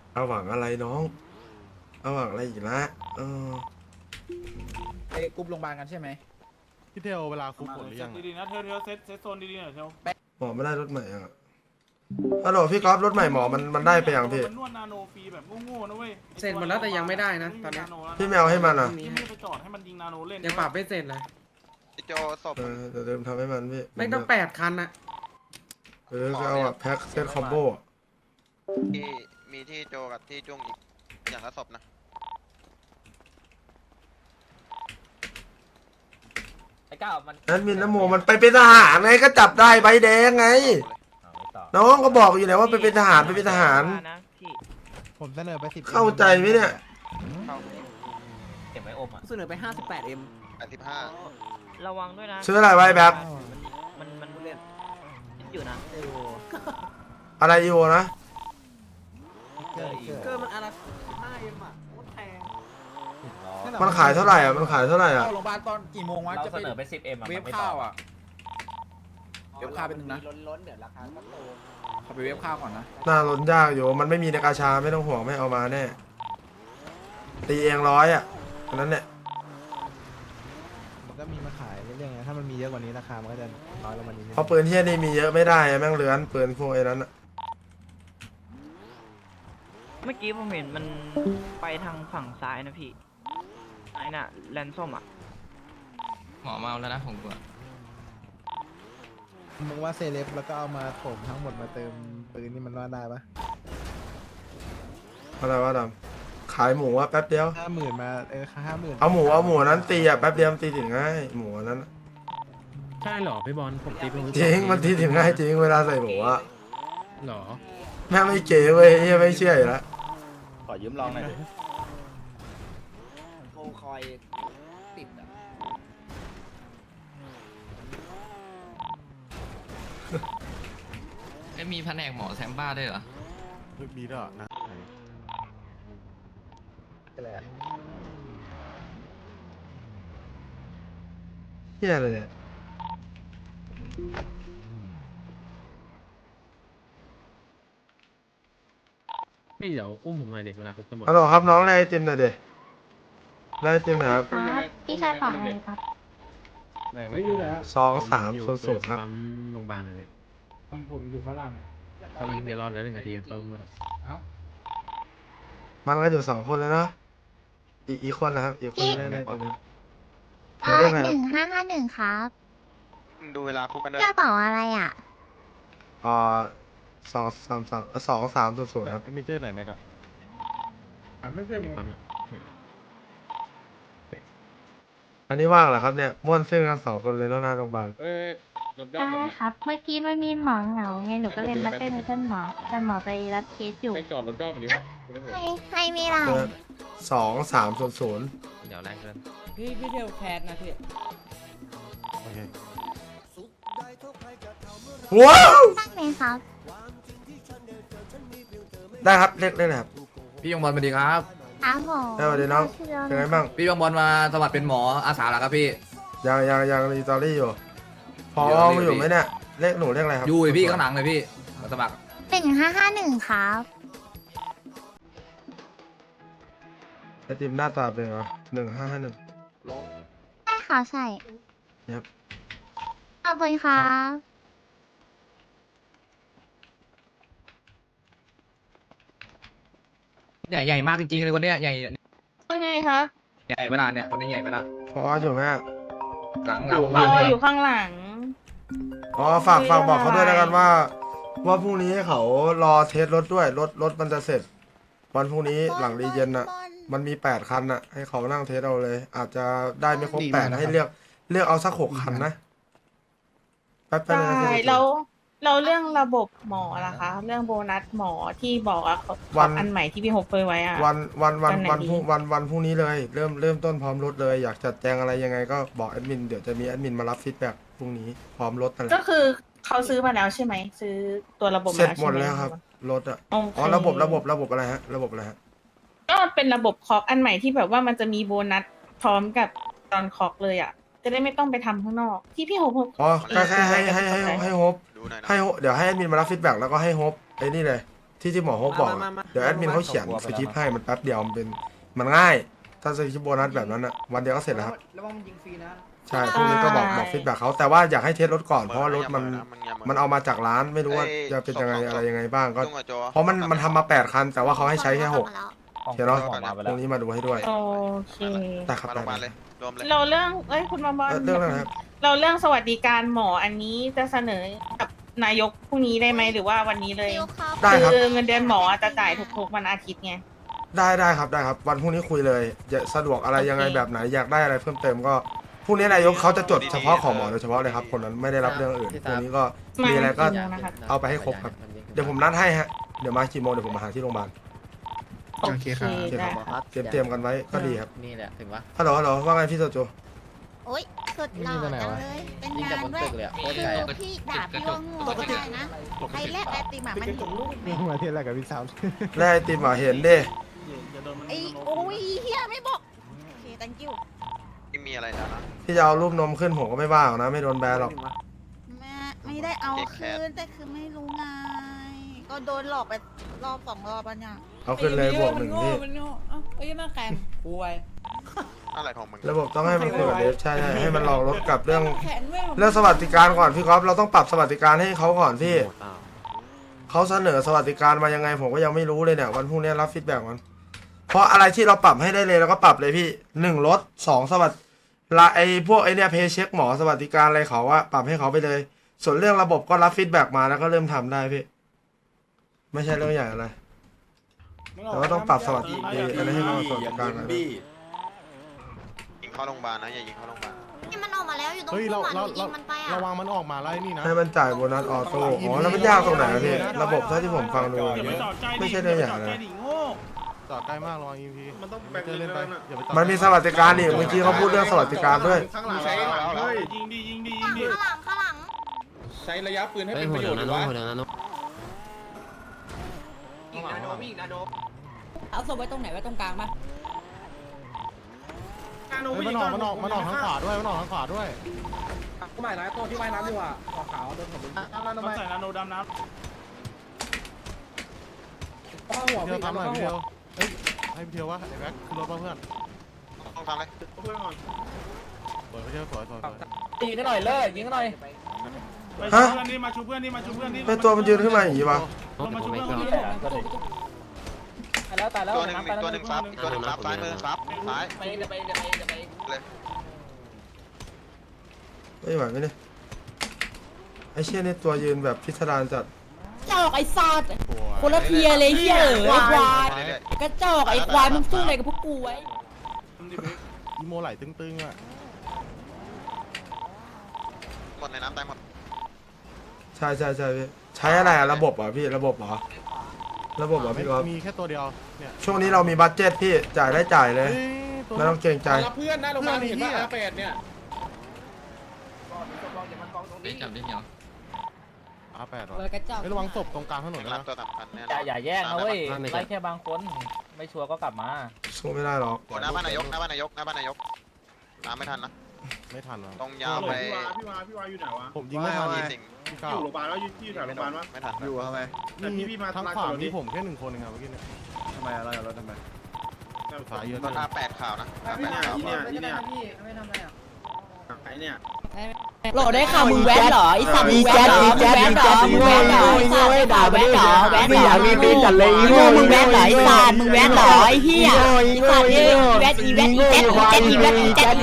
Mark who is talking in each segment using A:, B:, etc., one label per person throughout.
A: เอาหวังอะไรน้องเอาหวังอะไรอีกละเออ
B: ไปกรุ๊ปโรงพยาบาลกันใช่ไหม
C: พี่เทลเวลาคุกหมดหรือยัง
D: ดีๆนะเทลเซตโซนดีๆหน่อยเทล
A: หมอไม่ได้รถใหม่อ่ะฮัลโหลพี่ก๊อฟรถใหม่หมอมันได้ไปยังพี่
D: มันนวดนาโนฟรีแบบโง่ๆนะเว้ย
E: เสร็จหมดแล้วแต่ยังไม่ได้นะตอนเนี้ย
A: พี่แมวให้มันอ่ะ
D: พี่ไม่ไปจอดให้มันยิงนาโนเล่น
E: ยังปรับไม่เสร็จเลย
F: โจศพ
A: เดี๋ยวเดิมทำให้มันพี่
E: ไม่ต้อง8 คันอะ
A: ก็เอาอะแพ็คเซตคอมโบอะ
F: ที่มีที่โจกับที่จุ้งอีกอย่างละศพนะ
B: ไอ้ก้าวมัน
A: แอดมินน้ำโมมันไปเป็นทหารไงก็จับได้ใบแดงไง น้องก็บอกอยู่แล้วว่าไปเป็นทหารไปเป็นทหาร
C: ผมเสนอไป10
A: เข้าใจไหมเนี่ย
F: เข้า
B: เก็บไว้อมอ่ะ
E: เสนอไป 58M
F: 85
G: ระวังด้วยนะ
A: ซื้ออะไรไว้แบบ
G: มันเล่นอยู่นะ
A: อะไรอยู่นะ
E: เกินมันอะไร 5M อ่ะโคตรแพง
A: มันขายเท่าไหร่อ่ะมันขายเท่าไหร่อ่ะ
B: เข้าโรงพยาบาลตอนกี่โมงวะ
H: เรา
B: จะ
H: เสนอไป 10M
B: เวฟข้าวอ่ะ เวฟข้าวเป็นหนึ่งนะ
E: ล้นๆเดี๋ยวราคาก็โต
B: ขอไปเวฟข้าวก่อนนะ
A: น่าล้นยากอยู่มันไม่มีในกาชาไม่ต้องห่วงไม่เอามาแน่ตีเอง100อ่ะอันนั้นเนี่ย
C: มันก็มีมาขายเรื่อยๆไงถ้ามันมีเยอะกว่านี้ราคามันก็จะน้อยลงมานิดนึง
A: เพราะปืนเที่ยนี่มีเยอะไม่ได้อะแม่งเลื้อนปืนพวกไอ้นั้นอะ
G: เมื่อกี้ผมเห็นมันไปทางฝั่งซ้ายนะพี่ไอ้น่ะแลนส้มอ่ะ
H: หมอมาแล้วนะผมกลัว
C: มึงว่าเซเลบแล้วก็เอามาโถมทั้งหมดมาเติมปืนนี่มันว่าได้ปะ
A: อะไรวะดำขายหมูอะแป๊บเดียว
C: 50,000มา50,000
A: เอาหมูนั้นตีอะแป๊บเดียวมันตีถึงง่ายหมูอันนั้นอะ
I: ใช่เหรอพี่บอลผมตีเป็น
A: จริงมันตีถึงง่ายจริงเวลาใส่หมูอะ
I: เหรอ
A: แม่งไม่เก๋เว้ยเหี้ยไม่เชื่ออยู่แล้ว
H: ขอยืมลองหน่อยดิ
E: โคคอยติดอ่ะ
H: ไม่มีแผนกหมอแซมบ้าด้วยเหรอ
C: มีด้วยเหรอนะ
A: เหี้ยอะไรเนี่ย
I: พี่เดี๋ยวอุ้มผมหน่อยเด็กเวลาคุกตำรวจ
A: ฮัลโหลครับน้องไล่ไอติมหน่อยดิไล่ไอติมหน่อยครับ
J: ครับพี่ชายฝากอะไรครับ
I: ไม่รู้แล้ว
A: 2300ครับ
I: ปั๊มโรงพยาบาลเลยผมอยู่ฝรั่งเดี๋ยวรอแล้ว1 นาทีเพิ่มมา
A: มันก็อยู่2 คนแล้วเนาะอีกคนนะครับอีกคนได้ตรงนี้
J: 1551ครับ
F: ดูเวลาคุกกันด้วย
J: กระเป๋าอะไรอ่ะ
A: 2300ครับ
C: มีเจอไหนไหมครับ
I: ปั๊ม
A: อันนี้ว่างเหรอครับเนี่ยม่วนซึ่งกัน2 คนเลยแล้วหน้าโรงพยาบาล
J: ได้ครับ เมื่อกี้ไม่มีหมอเหงาไง หนูก็เลยมาเต้นในเต้นหมอ แต่หมอไปรับเคสอยู่
I: ไปจอดรถรอบนี้
J: ให้ไม่ได้
A: 2300
H: เดี๋ยวแรกเกิน
E: พี่เทลแคสนะพี่
C: โอเค
A: ว้าว
J: ตั้งไหมครับ
A: ได้ครับเรียกได้เลยครับ
H: พี่ยงบอลสวัสดีครับ
J: ครับผม
A: ได้สวัสดีน้อง เป็นไงบ้าง
H: พี่ยงบอลมาสมัครเป็นหมออาสาแล้วครับพี่
A: ยังรีตอรี่อยู่พอ
H: อยู่
A: อยู่ไหมเนี่ยเลขหนูเลขอะไรครับ
H: อยู่เลยพี่ข้างหลังเลยพี่มาสมัคร
J: 1551ครับ
A: ไอติมหน้าตาเป็นไงวะ1551
J: ใช่ค่ะใช่
A: ครับ
J: ขอบคุณครับ
H: ใหญ่มากจริงๆเลยคนเนี้ยใหญ่
G: เป็นไงคะ
H: ใหญ่ขนาดเนี่ยคนนี้ใหญ่ขนาด
A: พออยู่ไหมอะ
H: หลังบ้าน
G: อยู่ข้างหลัง
A: อ๋อฝากบอกเขาด้วยแล้วกันว่าพรุ่งนี้ให้เขารอเทสรถด้วยรถมันจะเสร็จ วันพรุ่งนี้หลังรีเย็นน่ะ มันมี8 คันน่ะ ให้เขานั่งเทสเอาเลย อาจจะได้ไม่ครบ8ให้เลือกเอาสัก6 คันนะแป๊บๆนะ
G: ใช่
A: พี่
G: เราเรื่องระบบหมอล่ะคะ เรื่องโบนัสหมอที่บอกอะอันใหม่ที่พี่โฮปเปอร์ไว้อะ
A: วัน
G: วันไหนดี
A: วันพรุ่งนี้เลย เริ่มต้นพร้อมรถเลย อยากจัดแจงอะไรยังไงก็บอกแอดมินเดี๋ยวจะมีแอดมินมารับฟีดแบ็กพรุ่งนี้พร้อมรถนั่นแห
G: ก็
A: ละ
G: คือเขาซื้อมาแล้วใช่ไหม ซื้อตัวระบบ
A: เสร็จ
G: มา
A: หมด
G: ใช่ไหม
A: แล้วครับรถอ่ะ
G: โอเค
A: อ๋อระบบอะไรฮะระบบอะไรฮะ
G: ก็เป็นระบบคอกอันใหม่ที่แบบว่ามันจะมีโบนัสพร้อมกับตอนคอกเลยอะจะได้ไม่ต้องไปทำข้างนอก ที่พี่โฮป
A: อ๋อแค่ให้โฮป
F: ดูหน่อยนะ
A: เดี๋ยวให้แอดมินมารับฟีดแบ็กแล้วก็ให้โฮปไอ้นี่เลยที่หมอเขาบอกอะเดี๋ยวแอดมินเขาเขียนสคริปต์ให้มันแป๊บเดียวมันง่าย ถ้าสคริปต์โบนัสแบบนั้นอะวันเดียวก็เสร็จแล้วครับ
E: ระวังมันยิงฟรีนะ
A: ใช่พรุ่งนี้ก็บอกฟีดแบ็กเขาแต่ว่าอยากให้เทสรถก่อนเพราะว่ารถมันเอามาจากร้านไม่รู้ว่าจะเป็นยังไงอะไรยังไงบ้างก็
F: จุ้งกับโจ
A: เพราะมันทำมา8 คัน แต่ว่าเขาให้ใช้แค่6เดี๋ยวเนาะตรงนี้มาดูให้ด้วย
G: โอเค
A: แต่ครับ
F: มาโรงพยาบาลเลยรวมเลย
G: เราเรื่องคุณมาบอล
A: เรื่องอะไรครับ
G: เราเรื่องสวัสดิการหมออันนี้จะเสนอกับนายกพรุ่งนี้ได้ไหมหรือว่าวันนี้เลย
A: ได้ครับ
G: คือเงินเดือนหมอจะจ่ายทุกๆวันอาทิตย์ไง
A: ได้ครับวันพรุ่งนี้คุยเลยจะสะดวกอะไรยังไงแบบไหนอยากได้อะไรเพิ่มเติมก็พรุ่งนี้นายกเขาจะจดเฉพาะของหมอโดยเฉพาะเลยครับคนนั้นไม่ได้รับเรื่องอื่นพรุ่งนี้ก็มีอะไรก็
G: นะครับ
A: เอาไปให้ครบครับเดี๋ยวผมนัดให้ฮะเดี๋ยวมากี่โมงเดี๋ยวผมมาหาที่โรงพยาบาล
G: โอเค
A: โอเค
G: ได้
A: ครับเตรียมกันไว้ก็ดีครับ
H: นี่แหละถึงว่า
A: ฮัลโหลว่าไงพี่โจโจ
J: โอ๊ยสุดหล่อจังเลย เป็นงานด้วยคือพี่ด่าพี่ว่าโง่ก็ได้นะไอ้แรกไอติมอะมันเห็น
C: นี่มาเที่ยวอะไรกับพี่สาว
A: แร่ไอติมอ่ะเห็นดิ
D: อย่าโดนมัน
J: ไอ้โอ้ยเฮียไม่บอกโอเค thank you
F: ที่มีอะไรแล้วนะ
A: ที่จะเอารูปนมขึ้นผมก็ไม่ว่าหรอกนะไม่โดนแบนหรอก
J: ไม่ได้เอาคืนแต่คือไม่รู้ไง ก็โดนหลอกไปรอบ2 รอบแล้วเนี่ย
A: เอาขึ้นเลยบวก1พี่
E: มันโง่เอ้าไอ้ยังมาแข่งป่วย
F: อะไรของมึง
A: ระบบต้องให้มันคุยกับเดฟใช่ให้มันลองลดกับเรื่อง
E: แขนเว้ย
A: เรื่องสวัสดิการก่อนพี่ก๊อฟเราต้องปรับสวัสดิการให้เขาก่อนพี่เขาเสนอสวัสดิการมายังไงผมก็ยังไม่รู้เลยเนี่ยวันพรุ่งนี้รับฟีดแบ็กมันเพราะอะไรที่เราปรับให้ได้เลยเราก็ปรับเลยพี่1ลด2สวัสดิไอพวกไอเนี่ยเพย์เช็คหมอสวัสดิการอะไรเขาว่าปรับให้เขาไปเลย ส่วนเรื่องระบบก็รับฟีดแบ็กมาแล้วก็เริ่มทำได้พี่ไม่ใช่เรื่องใหญ่อะไรแต่ว่าต้องปรับสวัสดิอะไรให้มันสวัสดิการหน่อยนะ
F: ยิงเข้าโรงพยาบาลนะอย่ายิงเข้าโรงพยาบาล
J: นี่มันออกมาแล้วอยู่ตรง
C: เฮ้ยเรา
J: หัวหนูยิงมันไปอ่ะ
C: ระวังมันออกมาแล้วไอ้นี่นะ
A: ให้มันจ่ายโบนัสออโต้อ๋อแล้วมันยากตรงไหนอะพี่ระบบเท่าที่ผมฟังดู
D: อย่าไปจอดใจดิ
A: ไม่ใช่เรื่องใหญ่
D: ย่าไปจอดใจ
A: นะ
D: ดิโง่
C: จอดใกล้มากระวัง EMP
D: มันต้องแบ่ง
C: เจอเล่นไป
D: เล่นนะ
C: อย่าไปจอด
A: มันมีสวัสดิการดิเมื่อกี้เขาพูดเรื่องสวัสดิการด้วย
C: ข้างหลัง
D: ใช้เฮ้ยยิงดิยิงดิยิงดิ
J: ข้างหลัง
B: ใช้ระยะปืนให้เป็นประโยชน์หรือวะ
E: เอาศพไว้ตรงไหนไว้ตรงกลางปะ
D: นาโน
C: เฮ้ย
D: วิ่ง
C: มันออกทางขวาด้วยมันออกทางขวาด้วย
B: ก็ไม่นะตัวที่ว่ายน้ำดีกว่าขาวโดนผม
D: มันใส่นาโนดำน้
B: หัว
C: เที่ยวทำหน่อยพี่เที่ยวเฮ้ยให้พี่เที่ยววะไอ้แบ็คขึ้นรถมาเพื่อน
F: ต้องทำเลย
D: ำเพื่อนก่อน
C: สวยพี่เที่ยวสวย
B: ตีกันหน่อยเลยยิงกันหน่อย
D: ไปชูเพื่อนดิมาชูเพื่อนดิมาชูเพื่อนดิ
A: เป็นตัวมันยืนขึ้นมาอย่างนี้วะ
D: ลงมาชูเพื่อนคนนี้
B: ตายแล้วตายแล้ว
F: ตัวหนึ่งมีตัวหนึ่งซับอีกตัวหนึ่งซับซ้ายมือซับซ้าย
B: ไปเลย
F: เลย
A: ไม่ไหวไหมเนี่ยไอ้เชี่ยนี่ตัวยืนแบบพิสดารจัด
E: จอกไอ้สัตว์
C: สวย
E: คนละเทียเลยเฮียไอ้ควาย
F: เรื่อย
E: กระจอกไอ้ควายมึงสู้อะไรกับพวกกูไว้
C: อีโมไหลตึงๆอ่ะ
F: ๆหมดในน้ำตายหมด
A: ใช่พี่ใช้อะไรอะระบบเหรอพี่ระบบเหรอระบบเหรอพี่ก๊อฟ
C: มีแค่ตัวเดียวเนี่ย
A: ช่วงนี้เรามีบัตเจ็ตพี่จ่ายได้จ่ายเลย
C: เฮ้ยตัว
A: ไม่ต้องเกรงใจ
B: รับเพื่อนนะโรงพยาบาลเห็นป่ะอาเป็ดเนี่ย
H: จับได้เหนียว
C: R8
E: เล
C: ว่ะ
E: ยกระจอก
C: ระวังศพตรงกลางถนน
F: รั
C: นะ
F: บตัวสำคัญเนี่ย
B: อย่าแย่งนะเว้ยไล่แค่บางคนไม่ชัวร์ก็กลับมา
A: สู้ไม่ได้หรอก
F: หน้าบ้านนายกหน้าบ้านนายกหน้าบ้านนายกตามไม่ทันนะ
C: ไม่ทันว่ะ
F: ตรงยาวไป
D: พี่วาอยู่ไหนวะ
C: ผมยิงไม่ทัน
F: มีสิ่ง
C: พี่
D: อ
C: เก้า
D: ยู่โรงพยาบาลแล้วอยู่แถวโรงพยาบาลวะ
F: ไม่ทัน
H: อยู่ทำไม
D: แต่พี่มา
C: ทั้ง
D: มา
C: ขวา
D: ก่อนดิ
C: มีผมแค่1 คนเองครับเมื่อกี้เนี่ย
H: ทำไมอะไรรถทำไม
C: สายเยอะ
F: ก็
C: จัง
F: A8 ข่าวนะ A8 ข่าว
D: ไอ้เนี่ย
E: โหลได้ข่าวมึงแว้นเหรอไอ้สัตว์มึงแว้นเหรอมึงแว้นเหรอมึงแว้นเหรอไอ้สัตว์ด่าแว้นเหรอแว้นเหรอมึงมึงแว้นเหรอไอ้สัตว์มึงแว้นเหรอไอ้เหี้ยไอ้สัตว์แว้นอีแจ็คอีแว้นไอ้สัตว์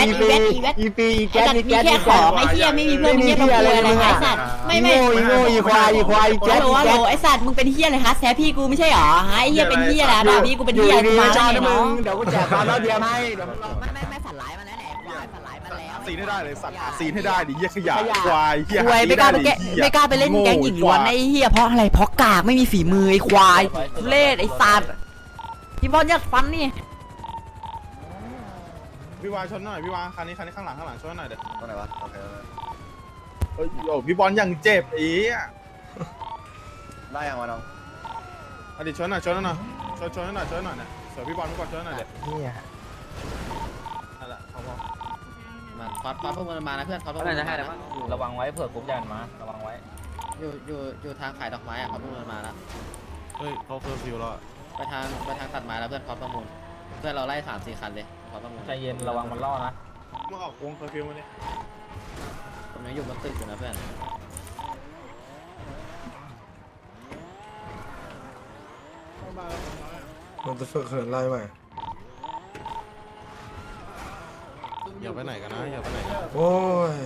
E: มีแค่ของไอ้เหี้ยไม่มีเพื่อนมีแค่ตัวอะไรไอ้สัตว์ไม่ควายแจ็คไอ้สัตว์มึงเป็นเหี้ยอะไรฮะแซพี่กูไม่ใช่หรอฮะไอ้เหี้ยเป็นเหี้ยอะไรด่าพี่กูเป็นเหี้ยกูมาแล้วไงน้อง
C: เดี๋ยวกูแจกความแล้วเดียวให้
E: ไม่ฝันร้ายมาแล้วแหละควายฝันร้ายมาแล้ว
C: ซีนให้ได้เลยสัตว์ซีนให้ได้ดิเหี้ยขยะควายเหี้ย
E: ควายไม่กล้าไปเล่นแก๊งหญิงล้วนไอ้เหี้ยเพราะอะไรเพราะกากไม่มีฝีมือไอ้ควายทุเล่ไอ้สัตว์พี่บอลยัดฟันนี่
C: พี่วาชนหน่อยพี่วาคันนี้ข้างหลังชนหน่อยเด็ด
H: ตรงไหนวะโอเค
C: โอ้พี่บอลยังเจ็บอีอ่ะ
H: ได้ยังวะน้อง
C: อดีตชนหน่อยชนหน่อยเนี่ยเสือพี่บอลก่อนชนหน่อยเด็ดนั่นแหละพอ
H: มาฟอสพวกมันมานะเพื่อนฟอสพวกมันมานะ
B: ระวังไว้เผื่อกรุ๊ปยันมาระวังไว้
H: อยู่ทางขายดอกไม้อะฟอสพวกมันมาแล้ว
C: เขาเคอร์ฟิวแล้ว
H: ไปทางตัดไม้แล้วเพื่อนพร้อมประมูลเพื่อนเราไล่3-4 คันเลยพร้อมประมูล
B: ใจเย็นระวังมันล่อนะ
D: มึงออกวงเคอร์ฟิวมาเนี่ย
H: ผมยังอยู่บนตึกอยู่นะเพื่อน
A: มันจะฝึกเหินไล่ใหม่
C: อย่าไปไหนกันนะอย่าไปไหน
A: โอ้ย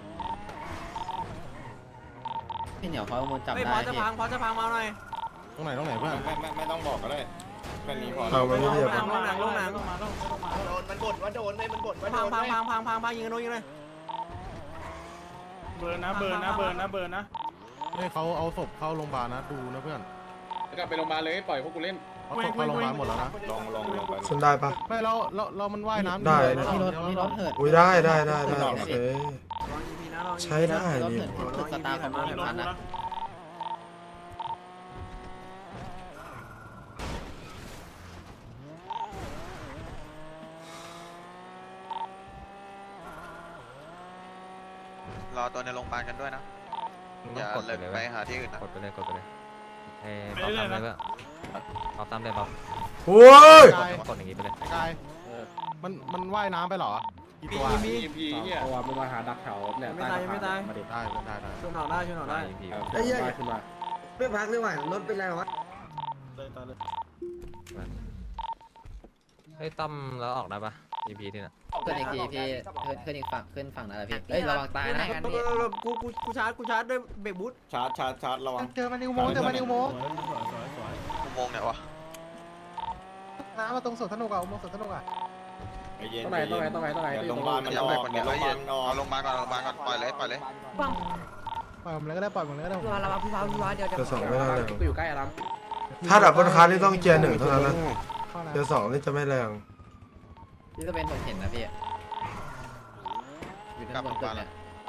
H: พี่เหนียวพร้อมประมูลจับ
C: เฮ้ย
H: ได้
C: พอจะ
H: พี่
C: พังมาหน่อยตรงไหนเพื่อน
F: ไม่ต้องบอกก็ได้แค่นี้พอ
A: เอามันไม่เรียบ
C: ลงหนัง
D: โดนมันกดว่าโดนเลยมันกดว่าโดนเลย
C: พังยิงกันโน้ยิงเลย
D: เบอร์นะ
C: เฮ้ยเขาเอาศพเข้าโรงพยาบาลนะดูนะเพื่อน
B: กลับไปโรงพยาบาลเลยปล่อยพวกกูเล่น
C: เอาศพเข้าโรงพยาบาลหมดแล้วนะ
F: ลองไป
A: ฉันได้ปะ
C: ไม่เรามันว่ายน้ำ
A: ได้
H: มีรถเหิน
A: อุ้ยได้โอเคใช้ได้
H: รถ
A: นี่
H: เหินตึกสตาร์ของ1,000นะ
F: รอตัวในโรงพยาบาลกันด้วยนะอย่าเลยไปหาที่อื่นนะ
I: กดไปเลยเอาตามเลยเอาตามเลยบอก
A: โอ้ย
I: กดอย่างงี้ไปเลย
C: กายมันว่ายน้ำไปเหรอกี่ตัว
B: มีเนี่ยเอาว่ามึงมาหาดักแถวเนี่ยมาดิ
C: ได้
B: ช่วยหน่อยได้
I: ไอ้เหี้ย
B: ขึ้นมา
E: ไม่พักเลยว่ะรถเป็นไรวะ
I: เฮ้ยตั้มแล้วออกได้ปะ EP ที่น่ะ
H: ขึ้นอีกทีพี่ขึ้นอีกฝั่งขึ้นฝั่งนั่นแหละพี่เอ้ยระวังตายนะ
C: กูชาร์จด้วยเบรกบูท
F: ชาร์จระวัง
C: เจอมันนิวโมง
F: อุโมงค์เนี่ยวะ
C: น้ำมาตรงสวนสนุกอ่ะอุโมงค์สวนสนุกอ่ะ
B: ต้องไหน
F: โรงพยาบาลมันออกเอาโรงพยาบาลก่อนปล่อยเลย
C: ปล่อยผมเลยก็ได้ผม
E: ระวังพี่วาเดี๋ยว
A: เจอสองไม่ได้แรง
B: กูอยู่ใกล้อารัม
A: ถ้าดับบนคาร์นี่ต้องเกียร์หนึ่งเท่านั้นนะเกียร์สองนี่จะไม่แรง
H: พี่จะเป็นผมเห็นนะพี่อยู่ด้านบนตึกเนี่ย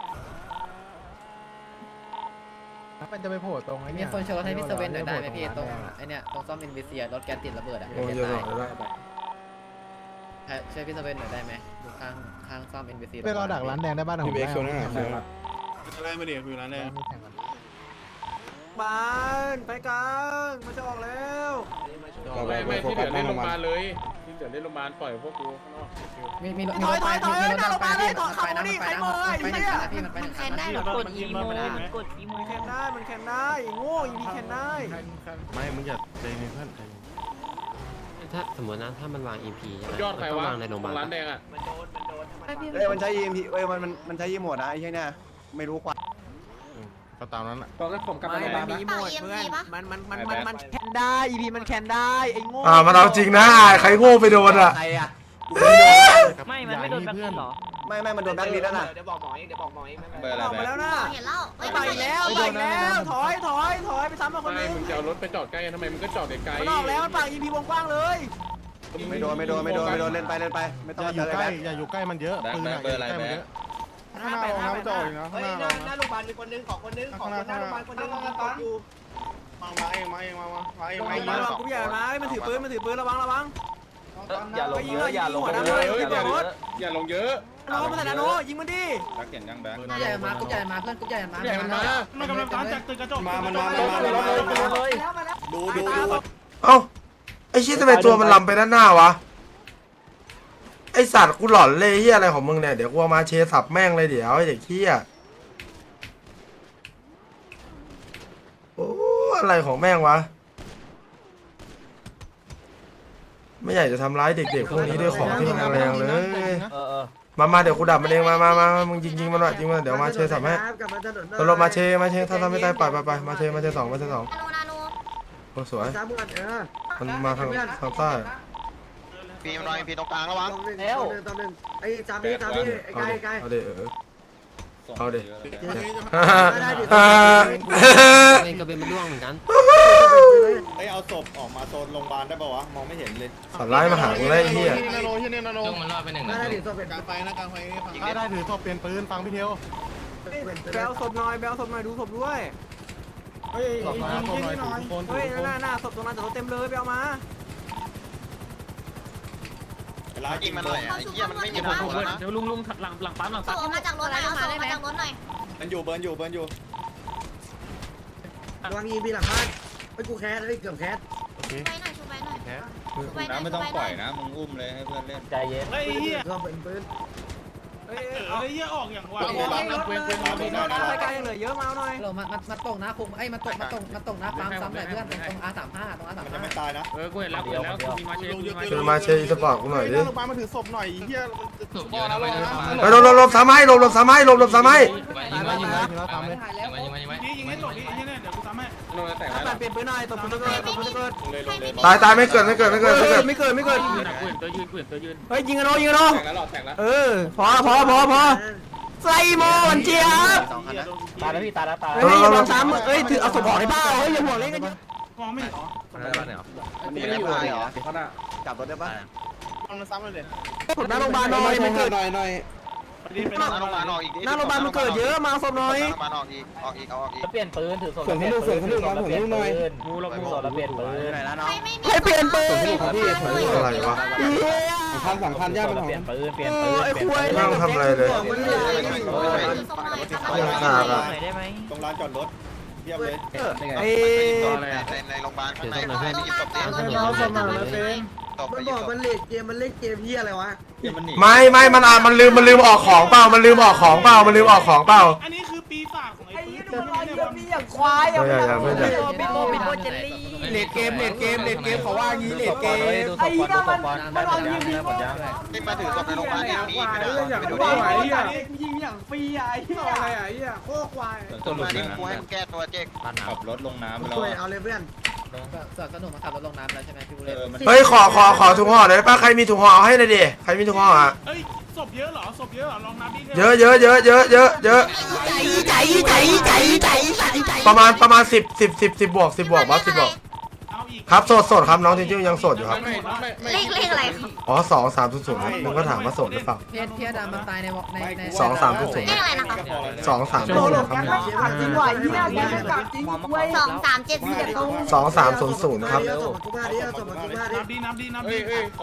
C: มันจะไปโผล่ตรงไอ้
H: มี
C: นี่
H: คนโชว์ให้พี่เซเว่นหน่อยได้ไหมพี่ตรงไอเนี่ยตรงซ่อมอินวิเซียรถแก๊สติดระเบิดอ่ะ
A: โอ้ยเกียร์สองไม่ได้
H: ช่วยพี่เซเว่นหน่อยได้ไหมดูข้างซ่อมอินวิเซีย
C: ไปรอดักร้านแดงได้บ้านผมได้
D: อะไรมาเดี๋ยวคือร้านแรก
C: บ้านไปกันมันจะออกแล้ว
B: ไม่ที่เหลือเล่นโรงพยาบาลเลยที่เหลือเล่นโรงพยาบาลปล่อยพวกกูข้างนอก
H: มีรถไปนะมันไปนะพี่มันไป
J: มันแคนได้เหรอ
G: กดอีโมกดอีโม
C: มันแคนได้โง่อีพีแคนได้
K: ไม่มึงอย่าใจเย็นเพื่อนใจเย็น
I: ถ้าสมมตินะถ้ามันวาง EP ใช่ไหม
B: ยอดใคร
I: ต้อง
B: วะ
I: วางในโรงพยาบาล
B: ร้านแดงอ่ะ
E: มันใช้ EMP มันใช้ EMP หมดนะไอ้เหี้ยเนี่ยไม่รู้กว่า
K: ก็ตามนั้นอ่ะ
B: ตอนนั้นผมกลับไปโรงพยาบาลนะ
C: มีหมดเพื่อนมันแคนได้อีพีมันแคนได้ไอ้โง่
A: มันเอาจริงนะใครโง่ไปโดนอ่ะ
E: ใครอ่ะ
G: ไม่มันไม่โดนแบ็คลิสต์หรอ
E: ไม่มันโดนแบ็คลิสต์แล้วน่ะ
B: เดี๋ยวบอกหมอเอง
F: เบอร์อะไร
C: ออกมาแล้วนะ
J: เห็นแล้ว
C: ไปแล้วถอยไปซ้ำมาคน
B: ไม่
C: นึง
B: มึงจะเอารถไปจอดใกล้ทำไมมึงก็จอดไกล
C: มันออกแล้วมันฝั่งอีพีวงกว้างเลย
E: ไม่โดนเล่นไปไม่ต้อง
K: อย่าอยู่
E: เจอ
K: ใก
E: แบ็
K: ล้
E: ค
K: อย่าอยู่ใกล้มันเยอะปืนอ่ะอย่าอยู่ใกล้มันเยอะ
C: ข้างหน้าน้ำจะออกนะ
D: เฮ้ยหน้าโรงพยาบาลมีคนนึงขอคนนึงขอคนหน้าโรงพยาบาลคนนึงตอนอยู่มาเอง
C: กูใหญ่นะมันถือปืนระวัง
B: อย่าลงเยอะอย่าลงเยอะอย่าลงเยอะ
C: โน้มันแต่โน้ยิงมันดิ
F: รักเห็นยังแบงค์
H: ใหญ่มากุ๊กใหญ่มาเพื่อนกุ๊กใหญ่มา
B: ใหญ่มันมา
D: มันกำลังตามจากตึกกระจก
F: มันดู
A: เอ้าไอ้ชี้ทำไมตัวมันลำไปด้านหน้าวะไอสัตว์กูหลอนเลยเฮียอะไรของมึงเนี่ยเดี๋ยวกูเอามาเชสับแม่งเลยเดี๋ยวไอ้เด็กเฮียโอ้อะไรของแม่งวะไม่อยากจะทำร้ายเด็กๆพวกนี้ด้วยของที่แรงๆเลยมาเดี๋ยวกูดับมันเองมามึงยิงมันหน่อยยิงมันเดี๋ยวมาเชสับให้ตลบมาเชถ้าทำไม่ตายปล่อยไปมาเชสอง
J: นาโน
A: โอ้สวยมันมาทางใต้
F: พีมันพีตรงกลางระวัง
E: แล้วไอ้จามพี่ไกล
A: เอาเด็
I: เองก็เป็นมันร่วงเหมือนกัน
F: เอาศพออกมาโซนโรงพยาบาลได้ป่าวะมองไม่เห็นเลย
A: สัตว์ร้ายมาหากูได้เฮีย
I: จุ้งมันรอดไปหนึ่งนะ
E: ได้ดิโซเป็น
F: กลางไฟนะกลางไฟ
K: ถ้าได้ถือศพเปลี่ยนปืนฟังพี่เทียว
C: แบลศพหน่อยดูศพด้วย
K: ศพหน่อยทุกคน
C: เฮ้ยหน้าศพตรงนั้นแต่รถเต็มเลยไปเอามา
F: ร้านยิงมันหน่อยไอ้เหี้ยมันไม่มีคนถูกแล้วนะ
B: เดี๋ยวลุงหลังปั๊ม
J: ส่งออกมาจากรถหน่อยเอาส่งออกมาจากรถหน่อย
F: มันอยู่เบิร์นอยู่
E: วาง EMP หลังบ้านไป
D: กูแคสเลยเกือบแคส
J: ไปหน่อยชูไปหน่อย
K: แคส
J: ชูไปหน่อยไม่ต้องปล่อยนะมึงอุ้มเลยให้เพื่อนเล่นใจเย็น
D: ไอ้เหี้ยก็เป็นปืน
B: ไอ้เหี้ยออกอย่างว่า
C: รายการยังเหลือเยอะมาหน่อย
H: มาตกนะคุมมาตกนะฟาร์มซ้ำหน่อยเพื่อนตรง R35 ตรง R35
D: จะไม่ตายนะ
B: กูเห็นแล้วมีมาเชย
A: ช่วยมาเชยสปอร์ตกูหน่อยดิ
D: โรงพยาบาลมาถือศพหน่อยเหี้ย
A: ไปหลบสามไม้หลบสามไม้หลบสามไม้
C: ยิงแล้วทำเลย
B: ยิงให้หลบยิงให้เนี่ยเดี๋ยวกูทำให้โดนแตก
C: ตัดเปลี่ยนปืนหน่อยตบปืนเกิดตบปืนเกิด
A: ตายไม่เกิด
C: ไม่เกิด
B: กูเห็นตัวยืน
C: เฮ้ยยิงกันโนยิงกันโน
B: แตกแล้วหลอดแตกแล้ว
C: พอไซโมนเจี๊ยบ
E: ตายแล้วพี่ตายแล้วตาย
C: เฮ้ยอย่ามาซ้ำเฮ้ยถือเอาศพออกได้เปล่าเฮ้ยอย่าห่วงเล่นกันเยอะ
B: มองไม่เห็นหรอ
F: มันไม่อยู่เหรอ
D: จับรถได้ปะมันซ้ำเลย
C: ผมหน้าโรงพยาบาลหน่อยมันเกิด
D: หน่อย
F: หน้าโรงพยาบาลออกอีก
C: หน้าโรงพยาบาลมันเกิดเยอะมาศพหน่อย
F: หน้าโรงพยาบาลออกอีกเอาออกอีก
E: เปลี่ยนปืนถือศพ
C: ส่วนให้ลูกครับผมลูกหน่อย
E: กูเรากูเราเปลี่ยนปืน
C: ให้เปลี่ยนปืน
A: อะไรวะ
C: 2,000ย่าเป็นของ
E: เปลี่ยนปืนเปลี่ยนปืน
C: ไอ้คุย
A: ไม่ต้องทำอะไรเลยยังขาดอ่ะ
E: ได้ไหม
D: ตรงลานจอดรถเยี่ยมเลย
C: ไอ้
F: ในโรงพยาบาลข้างในไปหยิบศพดิ
D: มันบอกมันเล่นเกมเหี้ยอะไรวะ
A: ไม่มันลืมออกของเปล่ามันลืมออกของเปล่า
B: อันนี้คือปีศาจของไอ้ปืน
C: มีอย่างควายอ่ะไม่ใช่เป็นโมเจลลี่เลดเกมเขาว่างี้เลดเกมไอ้เหี้ยมันเอายิงดี
F: ที่มาถือศพในโรงพยาบาลเนี่ยมีไปดูดิ
C: ยิงอย่างฟรีอ่ะไอ้เหี้ย
B: อะไรอ่ะไอ้เหี้ยโคตรควาย
F: มาดิกูให้มึงแก้ตัวเจ๊ก
K: ขับรถลงน้ำแล้ว
D: ช่วยเอาเลยเพื่อน
H: สนุกมาขับรถลงน้ำแล้วใช่ไหมพี่บุเรศ
A: เฮ้ยขอถุงห่อหน่อยป้าใครมีถุงห่อเอาให้หน่อยดิใครมีถุงห่ออ่ะ
B: เฮ้ยศพเยอะเหรอศพเยอะเหรอลองนับดิ
A: เยอะประมาณ10บวกบอส10บวก
B: เอาอีก
A: ครับโสดครับน้องจริงๆยังโสดอยู่ครับ
J: เลขอะไรครับ
A: อ๋อ2300ครับมึงก็ถามว่าโสดหรือเปล่า
H: พี่ดำมันตายใน
A: 2300
J: เลขอะไรนะคะ
A: 2300ครับ
C: จริงว่ะเหี้ยแกไม่กลับจริงเว้ย
J: 2374
A: 2300ครับ
B: นับดิ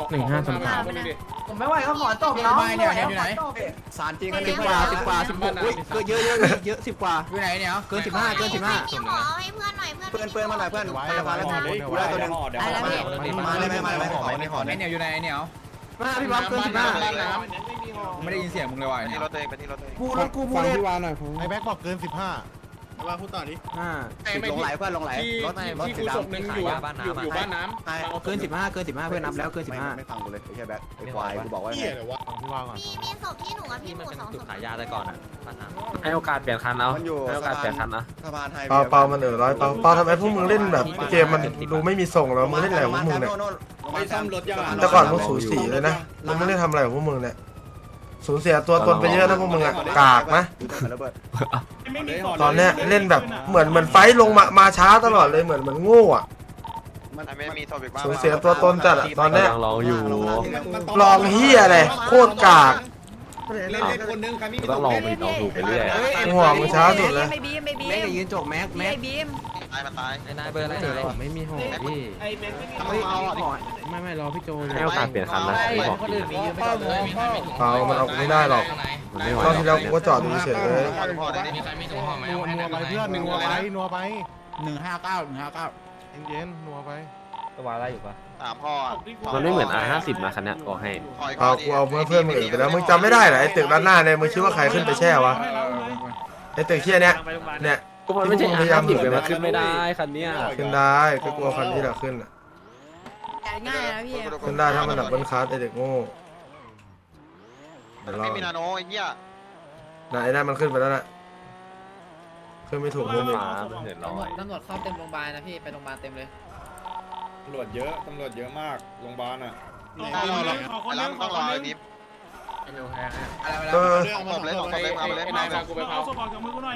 C: ผมไม่ไหวก็ขอจบแล้วสารจริงกัน10 กว่า16อุ้ยเกินเยอะ10 กว่าอยู่ไหนเนี่ยเกิน15
J: พี่หมอให้เพื่อนหน่อยเพื่อน
D: เปืนมาหน่อยเพื่อนพยาบาลแล้วกูได้ตัวนึงมาเลยไม่ขอ
C: ไอเหนียวอยู่ไหนเหนียวมาพี่บ๊อบเกิน15ไม่ได้ยินเสียงมึงเลยว่ะ
F: ไปที่รถตัวเองไปที่รถตัวเอง
C: กูฟังพี่วานหน่อย
K: ไอ้แบ็คบอกเกิน 15
D: ว่าพูดต่อดิ
B: ลงไหลเพื่อนลงไหลที่กูศพหนึ่งอยู่บ้านน้ำ
C: เกิน15เพื่อนนับแล้วเกิน15
D: ไม่ฟังกูเลยแค่แบ็คไอ้ควายกูบอกว่า
K: เหี้ยเลยวะพี่ว่าก่อน
J: มีศพที่หนูกับพี่หมู2 ศพ
I: ให้โอกาสเปลี่ยนคันเอา
D: มันอยู่
I: ให้โอกาสเปลี่ยนคันนะ
D: สะพานไทย
A: เปามันร้อยเปาทำไมพวกมึงเล่นแบบเกมมันดูไม่มีส่งแล้วมึงเล่นอะไรของพวกมึงเนี่ย
D: ไม่ซ่อมรถยัง
A: แต่ก่อนมึงสูสีเลยนะมึงไม่ได้ทำอะไรของพวกมึงเนี่ยสูญเสียตัวตนไปเยอะนะพวกมึงอะกากนะตอนเนี้ยเล่นแบบเหมือนไฟลงมาช้าตลอดเลยเหมือนโง่อะ
F: ไม่มีศพอีกบ้าง
A: สูญเสียตัวตนจัดอะตอนเนี้ย
I: ลองอยู่
A: ลองเฮียอะไรโคตรกาก
D: เล่นคนนึงใครมี
I: ต้องลองผิดลองถูกไปเรื่อย
A: หัวมึงช้าสุดเลย
C: แม็กยืนจกแม็ก
F: ตายมันตาย
I: นายเบอร์อะไรไม่มีห่อพี่
D: ไอ้เบนไม่มีเอาอ่ะ
I: ไม่รอพี่โจให้โอกาสเปลี่ยนคันนะพี่บอก
H: คนอื่นมียืมไม่ต่อเลย
A: เปามันเอากูไม่ได้หรอก
I: มันไม่ไหว
A: ตอนที่แล้วกูก็จอดดูเฉยเลย
F: พ่อได้ดิ
K: นัวไปเพื่อนนัวไปเย็นนัวไป
I: ตัวอะไรอยู่ปะ
F: ถามพ่อ
I: มันไม่เหมือน R50 นะคันเนี้ยบอกให้
A: เอากูเอาเพื่อนมึงอื่นไปแล้วมึงจำไม่ได้เหรอไอ้ตึกด้านหน้าเนี่ยมึงคิดว่าใครขึ้นไปแช่วะไอ้ตึกเที่ยเนี้ยเนี่ย
I: ก็มันไม่ใช่ R50 เลยมันขึ้นไม่ได้คันเนี้ย
A: ขึ้นได้ก็กลัวคันที่เราขึ้นอะ
J: ง่ายนะพี่
A: ขึ้นได้ถ้ามันดับเบิลคาร์ไอ้เด็กโง่เดี๋ยวรอ
F: ไม่มีนาโนไอ้เหี้ย
A: น่ะไอ้นั่นมันขึ้นไปแล้วน่ะขึ้นไม่ถูกมุมอีก
I: ฟ้ามันเห็นร้อย
H: ตำรวจเข้าเต็มโรงพยาบาลนะพี่ไปโรงพยาบาลเต็มเลย
D: ตำรวจเยอะมากโรงพยาบาลอ่ะ
F: แล้วต้องรอไอ้พิม
A: เออ
F: ศพเลยเอาไปเลย
B: กูไปเผาศพออกจากมือกูหน่อย